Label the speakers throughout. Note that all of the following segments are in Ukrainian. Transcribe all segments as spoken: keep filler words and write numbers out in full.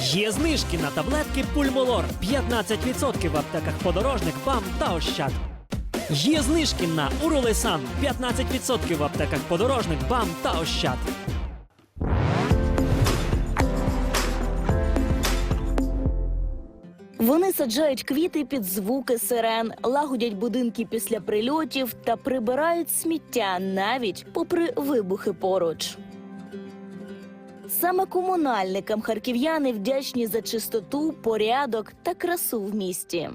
Speaker 1: Є знижки на таблетки Пульмолор п'ятнадцять відсотків в аптеках Подорожник, БАМ та Ощад. Є знижки на Уролесан п'ятнадцять відсотків в аптеках Подорожник, БАМ та Ощад.
Speaker 2: Вони саджають квіти під звуки сирен, лагодять будинки після прильотів та прибирають сміття навіть попри вибухи поруч. Саме комунальникам харків'яни вдячні за чистоту, порядок та красу в місті.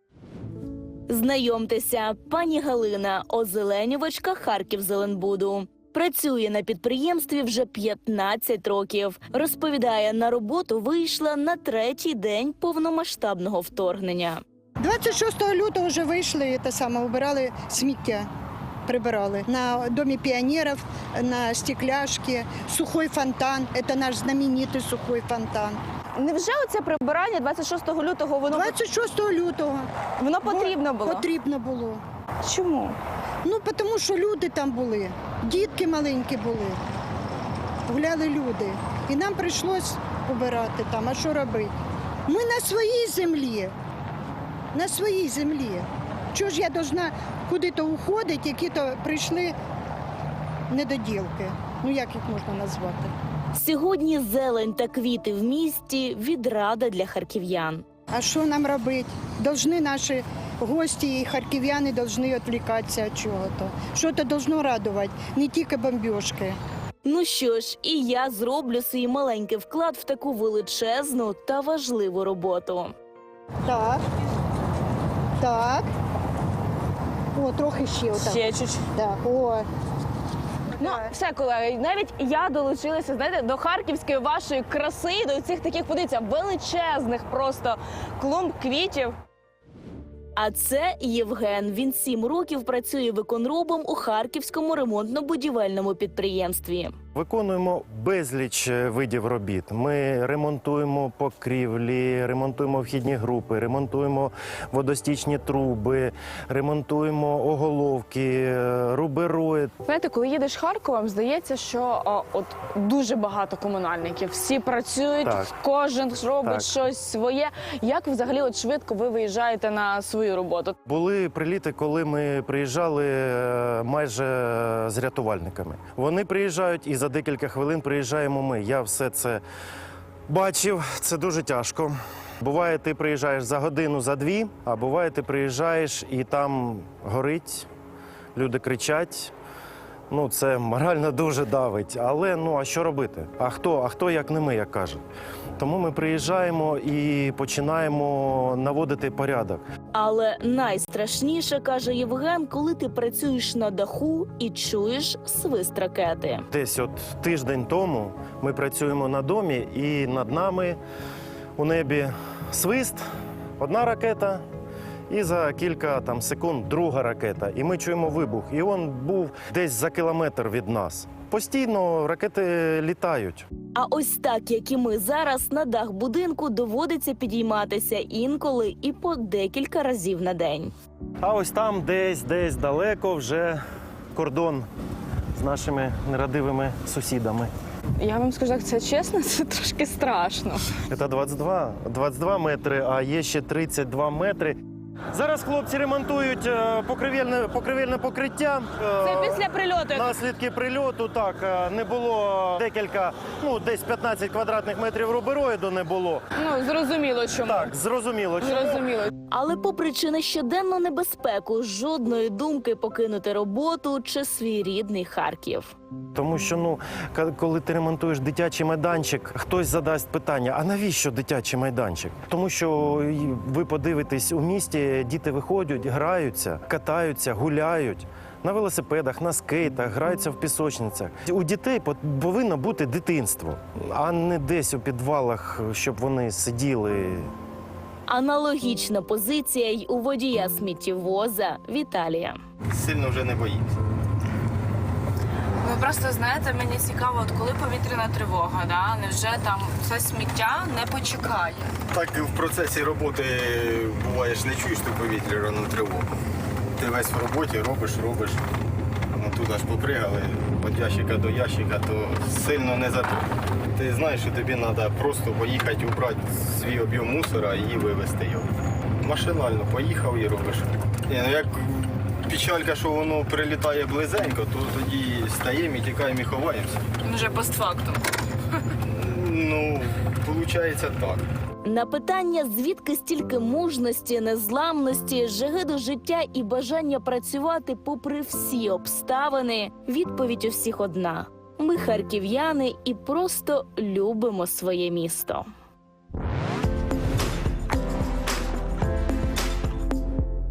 Speaker 2: Знайомтеся, пані Галина, озеленювачка Харківзеленбуду. Працює на підприємстві вже п'ятнадцять років. Розповідає, на роботу вийшла на третій день повномасштабного вторгнення.
Speaker 3: двадцять шостого лютого вже вийшли, те саме, убирали сміття, прибирали. На Домі піонерів, на Стекляшки, сухой фонтан, це наш знаменитий сухой фонтан.
Speaker 4: Невже оце прибирання двадцять шостого лютого, воно,
Speaker 3: двадцять шостого лютого.
Speaker 4: воно потрібно було?
Speaker 3: Потрібно було.
Speaker 4: Чому?
Speaker 3: Ну, тому що люди там були, дітки маленькі були, гуляли люди. І нам прийшлось убирати там, а що робити? Ми на своїй землі, на своїй землі. Чого ж я повинна куди-то уходити, які-то прийшли недоділки? Ну, як їх можна назвати?
Speaker 2: Сьогодні зелень та квіти в місті – відрада для харків'ян.
Speaker 3: А що нам робити? Должны наші гості і харків'яни повинні відвлікатися від чого-то. Що-то должно радувати, не тільки бомбіжки.
Speaker 2: Ну що ж, і я зроблю свій маленький вклад в таку величезну та важливу роботу.
Speaker 3: Так. Так. О, трохи ще отак.
Speaker 4: Ще чуть.
Speaker 3: Так, о.
Speaker 4: Ну, все, колеги, навіть я долучилася, знаєте, до харківської вашої краси, до цих таких, подивіться, величезних просто клумб квітів.
Speaker 2: А це Євген. Він сім років працює виконробом у Харківському ремонтно-будівельному підприємстві.
Speaker 5: Виконуємо безліч видів робіт. Ми ремонтуємо покрівлі, ремонтуємо вхідні групи, ремонтуємо водостічні труби, ремонтуємо оголовки, рубероїд.
Speaker 4: Знаєте, коли їдеш Харковом, здається, що о, от дуже багато комунальників. Всі працюють,
Speaker 5: Так.
Speaker 4: кожен робить
Speaker 5: Так.
Speaker 4: щось своє. Як взагалі от швидко ви виїжджаєте на свою роботу?
Speaker 5: Були приліти, коли ми приїжджали е, майже з рятувальниками. Вони приїжджають і за декілька хвилин приїжджаємо ми. Я все це бачив, це дуже тяжко. Буває, ти приїжджаєш за годину, за дві, а буває, ти приїжджаєш і там горить, люди кричать. Ну, це морально дуже давить. Але, ну, а що робити? А хто, а хто як не ми, як кажуть. Тому ми приїжджаємо і починаємо наводити порядок.
Speaker 2: Але найстрашніше, каже Євген, коли ти працюєш на даху і чуєш свист ракети.
Speaker 5: Десь от тиждень тому ми працюємо на домі, і над нами у небі свист, одна ракета, і за кілька там секунд друга ракета. І ми чуємо вибух. І він був десь за кілометр від нас. Постійно ракети літають.
Speaker 2: А ось так, як і ми зараз, на дах будинку доводиться підійматися інколи і по декілька разів на день.
Speaker 5: А ось там десь, десь далеко вже кордон з нашими нерадивими сусідами.
Speaker 4: Я вам скажу, так, це чесно, це трошки страшно.
Speaker 5: Це двадцять два, двадцять два метри, а є ще тридцять два метри. Зараз хлопці ремонтують е, покривельне, покривельне покриття. Е,
Speaker 4: Це після прильоту.
Speaker 5: Наслідки прильоту, так, е, не було декілька, ну, десь п'ятнадцять квадратних метрів рубероїду не було.
Speaker 4: Ну, зрозуміло чому.
Speaker 5: Так, зрозуміло. чому.
Speaker 4: Зрозуміло.
Speaker 2: Але попри чи на щоденну небезпеку, жодної думки покинути роботу чи свій рідний Харків.
Speaker 5: Тому що, ну, ка- коли ти ремонтуєш дитячий майданчик, хтось задасть питання, а навіщо дитячий майданчик? Тому що й- ви подивитесь, у місті діти виходять, граються, катаються, гуляють. На велосипедах, на скейтах, граються в пісочницях. У дітей пот- повинно бути дитинство, а не десь у підвалах, щоб вони сиділи.
Speaker 2: Аналогічна позиція й у водія сміттєвоза Віталія.
Speaker 6: Сильно вже не боїмося.
Speaker 7: Ну просто знаєте, мені цікаво, от коли повітряна тривога, да? Невже там це сміття не почекає?
Speaker 6: Так і в процесі роботи буваєш, не чуєш ту повітряну тривогу. Ти весь в роботі робиш, робиш. Ну, туди ж попригали від ящика до ящика, то сильно не за то. Ти знаєш, що тобі треба просто поїхати убрати свій об'єм мусора і вивезти його. Машинально поїхав і робиш. Ні, ну як печалька, що воно прилітає близенько, то тоді стаємо і тікаємо і ховаємося.
Speaker 7: Вже постфактум.
Speaker 6: Ну, виходить так.
Speaker 2: На питання, звідки стільки мужності, незламності, жаги до життя і бажання працювати попри всі обставини, відповідь у всіх одна. Ми харків'яни і просто любимо своє місто.